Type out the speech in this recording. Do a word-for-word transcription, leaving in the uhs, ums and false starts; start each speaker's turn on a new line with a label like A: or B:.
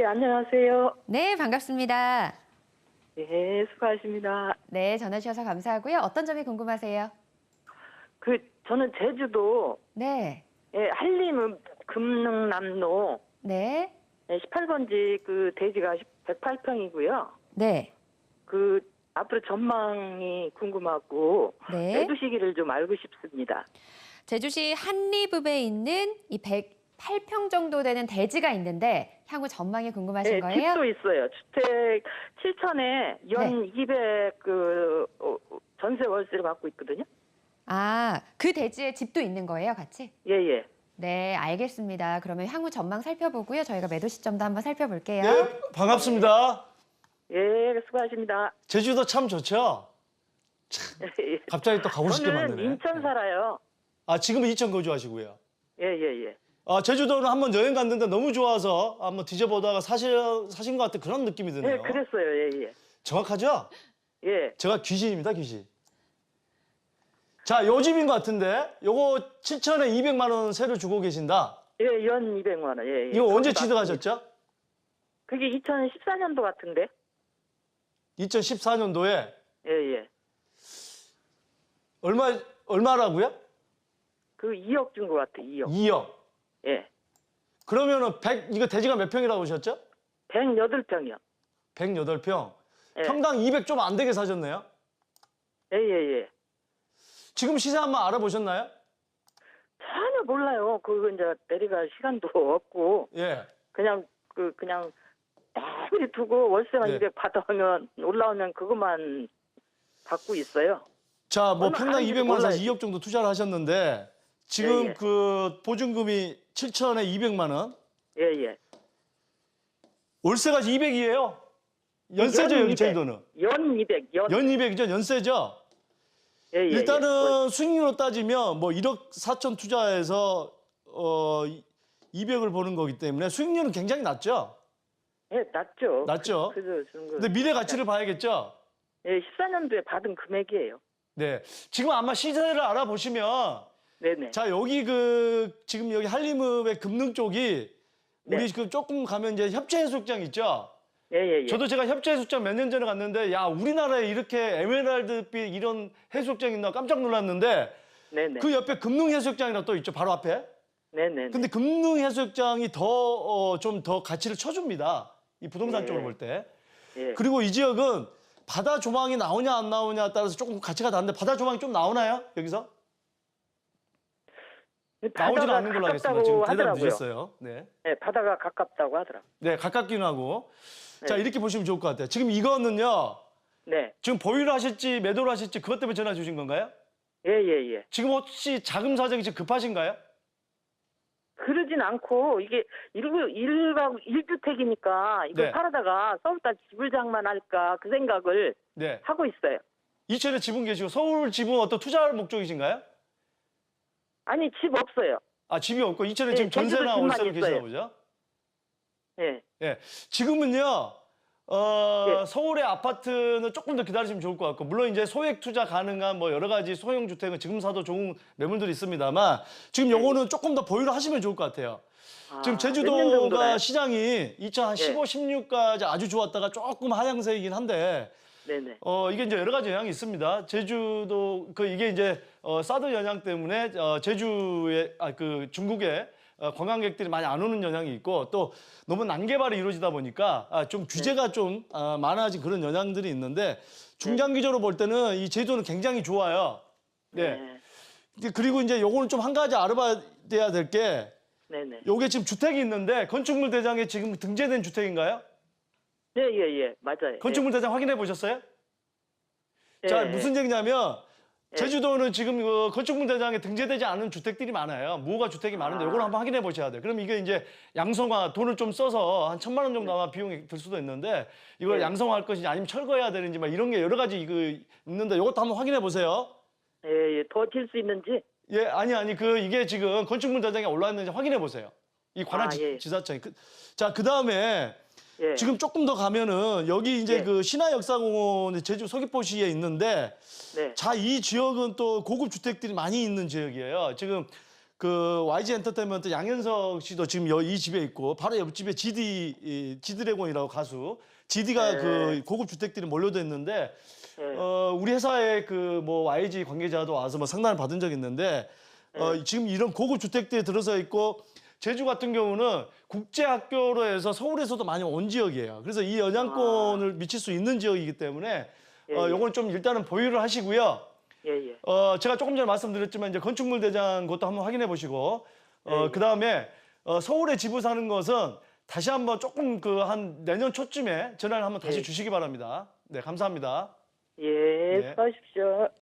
A: 안녕하세요.
B: 네, 반갑습니다.
A: 네, 수고하십니다.
B: 네, 전화 주셔서 감사하고요. 어떤 점이 궁금하세요?
A: 그 저는 제주도
B: 네,
A: 예, 한림 금능남로
B: 네,
A: 예, 십팔 번지 그 대지가 백팔 평이고요.
B: 네,
A: 그 앞으로 전망이 궁금하고
B: 네.
A: 매도 시기를 좀 알고 싶습니다.
B: 제주시 한리읍에 있는 이 백팔 평 정도 되는 대지가 있는데 향후 전망이 궁금하신
A: 예,
B: 거예요?
A: 집도 있어요. 주택 칠천에 연
B: 네.
A: 이백 그 어, 전세 월세를 받고 있거든요.
B: 아, 그 대지에 집도 있는 거예요, 같이?
A: 예, 예.
B: 네, 알겠습니다. 그러면 향후 전망 살펴보고요. 저희가 매도 시점도 한번 살펴볼게요.
C: 네, 반갑습니다.
A: 예, 수고하십니다.
C: 제주도 참 좋죠?
A: 예.
C: 갑자기 또 가고 싶게
A: 저는
C: 만드네.
A: 인천 살아요.
C: 아, 지금은 인천 거주하시고요.
A: 예, 예, 예.
C: 아, 제주도는 한번 여행 갔는데 너무 좋아서 한번 뒤져보다가 사실, 사신 것 같은 그런 느낌이 드네요.
A: 예, 그랬어요. 예, 예.
C: 정확하죠?
A: 예.
C: 제가 귀신입니다, 귀신. 자, 요 집인 것 같은데 요거 칠천에 이백만 원 세를 주고 계신다.
A: 예, 연 이백만 원. 예, 예.
C: 이거 언제
A: 거기
C: 취득하셨죠?
A: 그게 이천십사 년도 같은데.
C: 이천십사 년도에
A: 예, 예.
C: 얼마, 얼마라고요?
A: 그 이억 준 것 같아. 이억.
C: 이억.
A: 예.
C: 그러면은 백, 이거 대지가 몇 평이라고 하셨죠?
A: 백여덟 평이요.
C: 백여덟 평.
A: 예.
C: 평당 이백 좀 안 되게 사셨네요.
A: 예, 예, 예.
C: 지금 시세 한번 알아보셨나요?
A: 전혀 몰라요. 그거 이제 내려갈 시간도 없고
C: 예.
A: 그냥 그 그냥 내버려 두고 월세만
C: 네.
A: 이백 받아오면 올라오면 그것만 받고 있어요.
C: 자, 뭐
A: 얼마
C: 평당
A: 하는지
C: 이백만 원,
A: 몰라요.
C: 이억 정도 투자를 하셨는데 지금
A: 예, 예.
C: 그 보증금이 칠천에 이백만 원,
A: 예, 예.
C: 월세가 이백이에요. 연세죠,
A: 연
C: 여기
A: 이백.
C: 제주도는.
A: 연 이백. 연.
C: 연 이백이죠, 연세죠.
A: 예, 예,
C: 일단은 수익률로 따지면 뭐 일억 사천 투자해서 어 이백을 보는 거기 때문에 수익률은 굉장히 낮죠.
A: 예. 예, 낮죠.
C: 낮죠.
A: 그, 그래서 주는 거.
C: 근데 미래 가치를 봐야겠죠.
A: 예, 십사 년도에 받은 금액이에요.
C: 네. 지금 아마 시세를 알아보시면
A: 네네.
C: 자, 여기 그 지금 여기 한림읍의 금능 쪽이 우리
A: 네.
C: 그 조금 가면 이제 협재해수욕장 있죠.
A: 예, 예, 예.
C: 저도 제가 협재해수욕장 몇 년 전에 갔는데 야, 우리나라에 이렇게 에메랄드빛 이런 해수욕장 있나 깜짝 놀랐는데
A: 네네.
C: 그 옆에 금능해수욕장이랑 또 있죠, 바로 앞에.
A: 네네.
C: 근데 금능해수욕장이 더 좀 더 가치를 쳐줍니다. 이 부동산
A: 예.
C: 쪽으로 볼 때.
A: 예.
C: 그리고 이 지역은 바다 조망이 나오냐 안 나오냐에 따라서 조금 가치가 다른데 바다 조망이 좀 나오나요, 여기서? 나오지는
A: 바다가
C: 않는 걸로 하겠습니다.
A: 가깝다고
C: 지금 대답
A: 하더라고요.
C: 늦었어요. 네.
A: 예, 바다가 가깝다고 하더라고요.
C: 네, 가깝기는 하고. 자,
A: 네.
C: 이렇게 보시면 좋을 것 같아요. 지금 이거는요.
A: 네.
C: 지금 보유를 하실지 매도를 하실지 그것 때문에 전화 주신 건가요?
A: 예, 예, 예.
C: 지금 혹시 자금 사정이 지금 급하신가요?
A: 그러진 않고 이게 일구 일가구 일주택이니까 이걸
C: 네.
A: 팔아다가 서울다 집을 장만할까 그 생각을
C: 네.
A: 하고 있어요.
C: 이천에 지분 계시고 서울 지분 어떤 투자 목적이신가요?
A: 아니 집 없어요.
C: 아, 집이 없고 이천에
A: 네,
C: 지금
A: 제주도
C: 전세나
A: 집만
C: 월세로 계시나
A: 있어요.
C: 보죠?
A: 예.
C: 예. 지금은요. 어,
A: 예.
C: 서울의 아파트는 조금 더 기다리시면 좋을 것 같고 물론 이제 소액 투자 가능한 뭐 여러 가지 소형 주택은 지금 사도 좋은 매물들이 있습니다만 지금 요거는 조금 더 보유를 하시면 좋을 것 같아요.
A: 아,
C: 지금
A: 몇년
C: 제주도가
A: 정도나요?
C: 시장이 이천십오,
A: 예.
C: 십육까지 아주 좋았다가 조금 하향세이긴 한데
A: 네네.
C: 어 이게 이제 여러 가지 영향이 있습니다. 제주도 그 이게 이제 어 사드 영향 때문에 어 제주에 아 그 중국에 어, 관광객들이 많이 안 오는 영향이 있고 또 너무 난개발이 이루어지다 보니까 아, 좀 규제가 좀 아, 많아진 그런 영향들이 있는데 중장기적으로 볼 때는 이 제주도는 굉장히 좋아요. 네.
A: 네.
C: 이제 그리고 이제 요거는 좀 한 가지 알아봐야 될 게
A: 네네.
C: 요게 지금 주택이 있는데 건축물 대장에 지금 등재된 주택인가요?
A: 예, 예, 예. 맞아요.
C: 건축물 대장 확인해 보셨어요?
A: 예.
C: 자,
A: 예.
C: 무슨 얘기냐면
A: 예.
C: 제주도는 지금 그 건축물 대장에 등재되지 않은 주택들이 많아요. 무허가 주택이 많은데
A: 아.
C: 이걸 한번 확인해 보셔야 돼요. 그럼 이게 이제 양성화 돈을 좀 써서 한 천만 원 정도 아마 비용이 들 수도 있는데 이걸
A: 네.
C: 양성화할 것이냐 아니면 철거해야 되는지 막 이런 게 여러 가지 그 있는데 이것도 한번 확인해 보세요.
A: 예, 예. 더 질 수 있는지.
C: 예, 아니 아니 그 이게 지금 건축물 대장에 올라 있는지 확인해 보세요. 이 관할
A: 아,
C: 지,
A: 예.
C: 지자청이. 그, 자, 그다음에
A: 예.
C: 지금 조금 더 가면은 여기 이제
A: 예.
C: 그 신화역사공원 제주 서귀포시에 있는데
A: 네.
C: 자, 이 지역은 또 고급 주택들이 많이 있는 지역이에요. 지금 그 와이지 엔터테인먼트 양현석 씨도 지금 여- 이 집에 있고 바로 옆집에 지디 이, 지드래곤이라고 가수 지디가
A: 네.
C: 그 고급 주택들이 몰려져 있는데
A: 예.
C: 어, 우리 회사에 그 뭐 와이지 관계자도 와서 뭐 상담을 받은 적이 있는데 어, 지금 이런 고급 주택들이 들어서 있고 제주 같은 경우는 국제학교로 해서 서울에서도 많이 온 지역이에요. 그래서 이 영향권을 미칠 수 있는 지역이기 때문에
A: 예,
C: 어,
A: 예.
C: 요건 좀 일단은 보유를 하시고요.
A: 예, 예.
C: 어, 제가 조금 전에 말씀드렸지만 이제 건축물 대장 것도 한번 확인해 보시고 어,
A: 예, 예.
C: 그다음에 어, 서울에 집을 사는 것은 다시 한번 조금 그 한 내년 초쯤에 전화를 한번 다시
A: 예.
C: 주시기 바랍니다. 네, 감사합니다.
A: 예,
C: 네.
A: 수고하십시오.